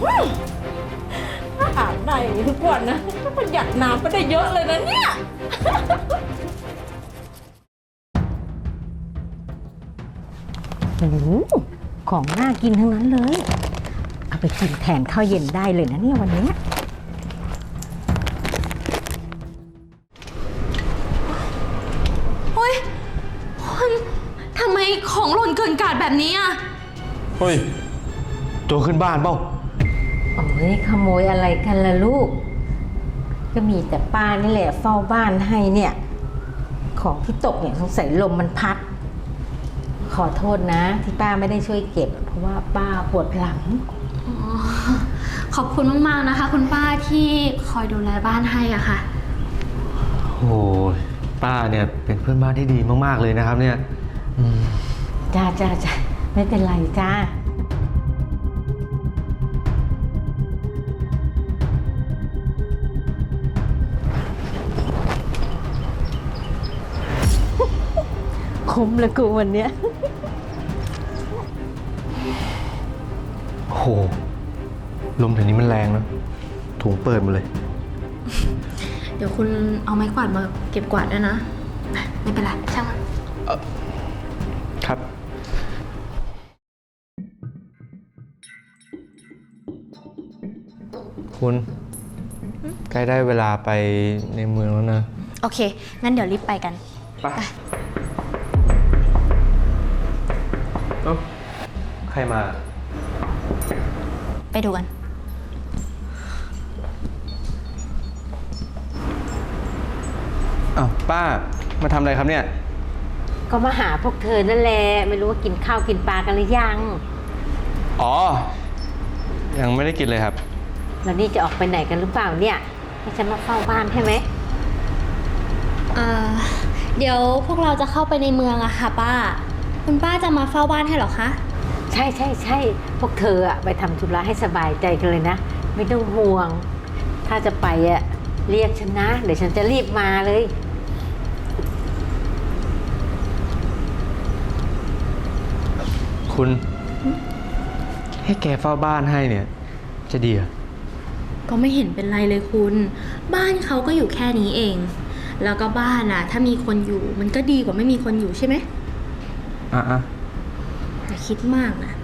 ถ้าอาบได้ทุกวันนะก็ประหยัดน้ำไปได้เยอะเลยนะเนี่ยโอ้โหของน่ากินทั้งนั้นเลย เอาไปกินแทนข้าวเย็นได้เลยนะเนี่ยวันนี้เฮ้ยคุณทำไมของหล่นเกินกาดแบบนี้อ่ะเฮ้ยโจรขึ้นบ้านเปล่าโอ้ยขโมยอะไรกันล่ะลูก ก็มีแต่ป้านี่แหละเฝ้าบ้านให้เนี่ย ของที่ตกเนี่ยสงสัยลมมันพัด ขอโทษนะที่ป้าไม่ได้ช่วยเก็บ เพราะว่าป้าปวดหลังอ๋อ ขอบคุณมากๆนะคะ คุณป้าที่คอยดูแลบ้านให้อ่ะค่ะโอ้ยป้าเนี่ยเป็นเพื่อนบ้านที่ดีมากๆเลยนะครับเนี่ยจ้าไม่เป็นไรจ้า คุ้มเลยกูวันเนี้ยโอ้โหลมแถวนี้มันแรงนะถุงเปิดหมาเลยเดี๋ยวคุณเอาไม้กวาดมาเก็บกวาดด้วยนะ ไม่เป็นไรช่างมันครับ คุณใกล้ได้เวลาไปในเมืองแล้วนะโอเค งั้นเดี๋ยวรีบไปกันไปเอ้าใครมาไปดูกันอ้าวป้ามาทำอะไรครับเนี่ยก็มาหาพวกเธอนั่นแหละ ไม่รู้ว่ากินข้าวกินปลากันหรือยังอ๋อ ยังไม่ได้กินเลยครับแล้วนี่จะออกไปไหนกันหรือเปล่าเนี่ยให้ฉันมาเฝ้าบ้านใช่ไหมเดี๋ยวพวกเราจะเข้าไปในเมืองอะค่ะป้า คุณป้าจะมาเฝ้าบ้านให้เหรอคะใช่พวกเธออะไปทำธุระให้สบายใจกันเลยนะ ไม่ต้องห่วง ถ้าจะไปอะเรียกฉันนะ เดี๋ยวฉันจะรีบมาเลยคุณให้แกเฝ้าบ้านให้เนี่ย จะดีเหรอก็ไม่เห็นเป็นไรเลยคุณ บ้านเขาก็อยู่แค่นี้เอง แล้วก็บ้านอะถ้ามีคนอยู่มันก็ดีกว่าไม่มีคนอยู่ใช่ไหมอ่ะอย่าคิดมากนะ